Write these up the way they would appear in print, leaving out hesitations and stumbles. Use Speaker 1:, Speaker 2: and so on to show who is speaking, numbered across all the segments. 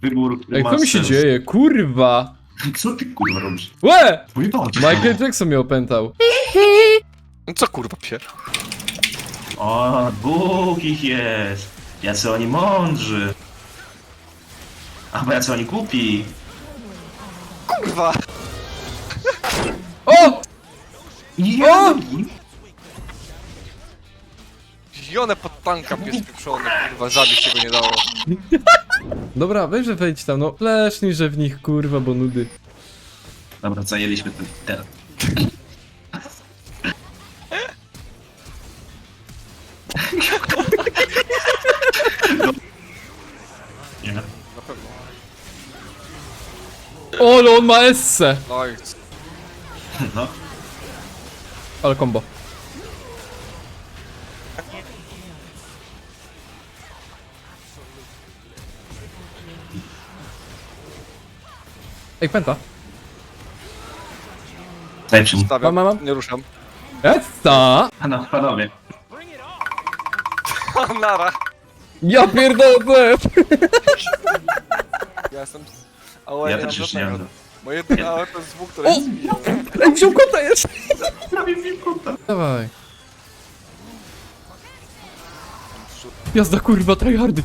Speaker 1: Wybór
Speaker 2: Ej, co mi się
Speaker 1: Masters.
Speaker 2: dzieje? Kurwa!
Speaker 1: Co ty kurwa robisz?
Speaker 2: Łe!
Speaker 1: Mój Boże.
Speaker 2: Michael Jackson mnie opętał.
Speaker 3: No co kurwa pier?
Speaker 1: O, Bóg ich jest. Jacy oni mądrzy. A bo jacy oni głupi.
Speaker 3: Kurwa!
Speaker 2: O!
Speaker 1: Ja
Speaker 3: Zielone pod tanka pies pieprzony, kurwa, zabić się go nie dało.
Speaker 2: Dobra, weź, że wejdź tam, no. Lesznij, że w nich, kurwa, bo nudy.
Speaker 1: Dobra, zajęliśmy ten teren. Nie.
Speaker 3: Na pewno.
Speaker 2: O, ale on ma esse!
Speaker 3: No i
Speaker 1: No.
Speaker 2: Ale combo. Ej, pęta.
Speaker 1: Zajprzy mu.
Speaker 3: stawiam,
Speaker 2: Mam.
Speaker 3: nie ruszam.
Speaker 2: Essa!
Speaker 1: Panowie.
Speaker 3: Nara!
Speaker 2: Ja pierdolę!
Speaker 3: Ja jestem... Ale
Speaker 1: Ja
Speaker 3: nie
Speaker 1: też
Speaker 3: mam
Speaker 1: już nie mam.
Speaker 3: żadnego. Moje jedyne ale to jest zwuk, który
Speaker 2: O!
Speaker 3: jest zbijał.
Speaker 2: Ej, wziął kota jeszcze!
Speaker 1: Prawie mi kota.
Speaker 2: Dawaj. Jazda, kurwa, tryhardy.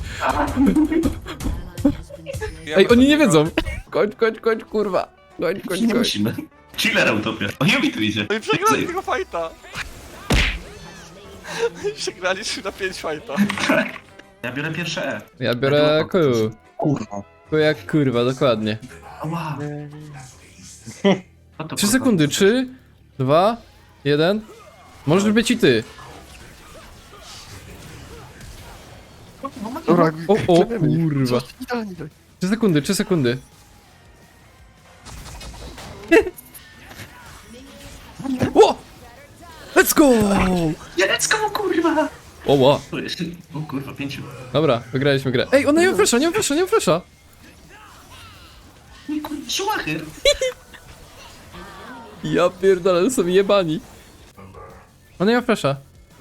Speaker 2: Ej, oni nie wiedzą. Kończ, kurwa. Kończ.
Speaker 1: Nie musimy. Chillera utopia. O, Yumi tu idzie.
Speaker 3: No i przegrali tego fajta! Przegrali 3 na 5 fajta.
Speaker 1: Ja biorę pierwsze E.
Speaker 2: Ja biorę Q.
Speaker 1: Kurwa.
Speaker 2: Q jak kurwa, dokładnie.
Speaker 1: Ała.
Speaker 2: 3 sekundy, 3, 2, 1. Możesz być i ty.
Speaker 3: Dobra,
Speaker 2: O, kurwa. 3 sekundy, 3 sekundy. O! Let's go!
Speaker 1: Jerecko, kurwa.
Speaker 2: O, ła.
Speaker 1: Tu jest. O kurwa, 5.
Speaker 2: Dobra, wygraliśmy grę. Ej, ona nie ma flasha, nie ma flasha.
Speaker 1: Nie kurwa, Schumacher.
Speaker 2: Ja pierdolę, są jebani. Ona nie ma flasha.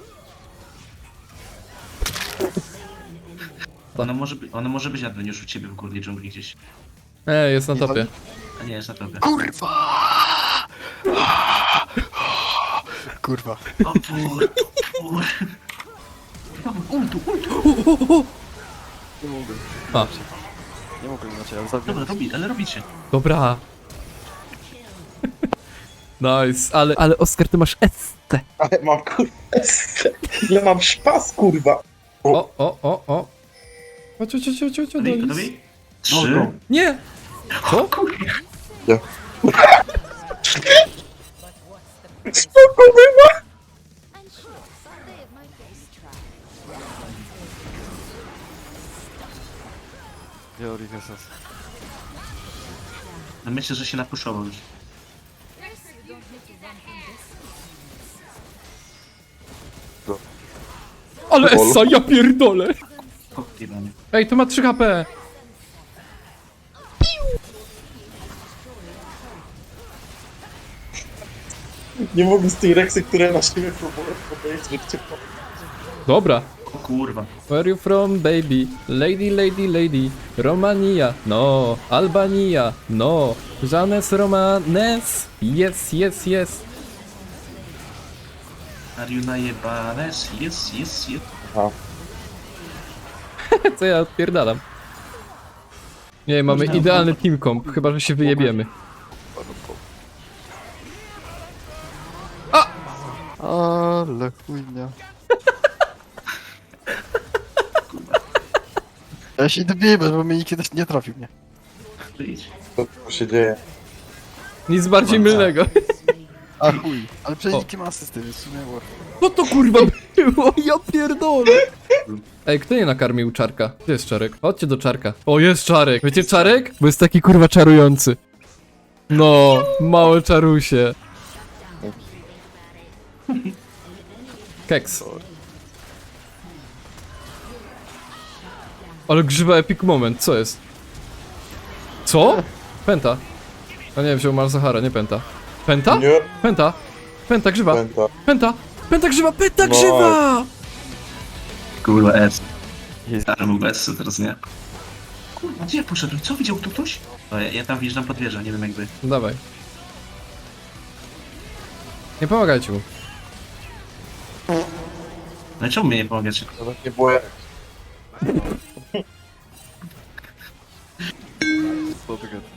Speaker 1: Ona może być Adweniusz u ciebie w górnej dżungli gdzieś.
Speaker 2: Ej, jest na topie.
Speaker 1: A nie, jest na tobie.
Speaker 3: Kurwa.
Speaker 1: O pur. Ultu.
Speaker 3: Nie mogę.
Speaker 2: A,
Speaker 3: Nie mogę inaczej, ale zabiję.
Speaker 1: Dobra, ale robicie.
Speaker 2: dobra. Nice, ale Oskar, ty masz ST.
Speaker 4: Ale mam kurwa. Ile mam szpas kurwa.
Speaker 2: O. Chodź,
Speaker 1: Gotowi?
Speaker 2: Donis.
Speaker 1: Gotowi? 3.
Speaker 2: Nie! Co?
Speaker 1: Kurwa.
Speaker 4: Ja. Spoko była.
Speaker 3: Georgi Hesas.
Speaker 1: No myślę, że się napuszował już.
Speaker 2: Ale Essa, ja pierdolę!
Speaker 1: Jebany.
Speaker 2: Ej, to ma 3 HP!
Speaker 4: Nie mogę z tej reksy, które na siebie próbują podejść, że cię
Speaker 2: Dobra.
Speaker 1: O kurwa.
Speaker 2: Where you from, baby? Lady. Romania, no. Albania, no. Janes Romanes. Yes.
Speaker 1: Are you najebane? Jest.
Speaker 4: Aha.
Speaker 2: Co ja odpierdalam? Nie, mamy
Speaker 1: Można-
Speaker 2: idealny team comp, chyba że się wyjebiemy.
Speaker 3: Ale chujnia. Ja się dobiję, bo mnie nikt kiedyś nie trafił, nie?
Speaker 1: Wyjdź.
Speaker 4: Co się dzieje?
Speaker 2: Nic bardziej mylnego.
Speaker 3: A chuj. Ale przecież
Speaker 2: O.
Speaker 3: nikt nie ma asysty, więc w sumie war.
Speaker 2: Co to kurwa było? Ja pierdolę. Ej, kto nie nakarmił czarka? Gdzie jest czarek? Chodźcie do czarka. O, jest czarek. Wiecie czarek? Bo jest taki kurwa czarujący. No, małe czarusie. Keks. Ale grzywa epic moment, co jest? Co? Penta. A nie, wziął Malzahara, nie Penta. Penta?
Speaker 4: Nie.
Speaker 2: Penta. Penta grzywa.
Speaker 4: Pęta.
Speaker 2: Penta grzywa, penta
Speaker 4: No.
Speaker 2: grzywa!
Speaker 1: Kurwa, S. Stary mógł S, teraz nie. Kurwa, gdzie ja poszedłem? Co widział tu ktoś? O, ja tam wjeżdżam pod wieżę, nie wiem jakby.
Speaker 2: Dawaj. Nie pomagajcie mu.
Speaker 1: No i czemu mnie nie pomagacie?
Speaker 4: Nawet nie było jak.
Speaker 3: Co ty gadasz?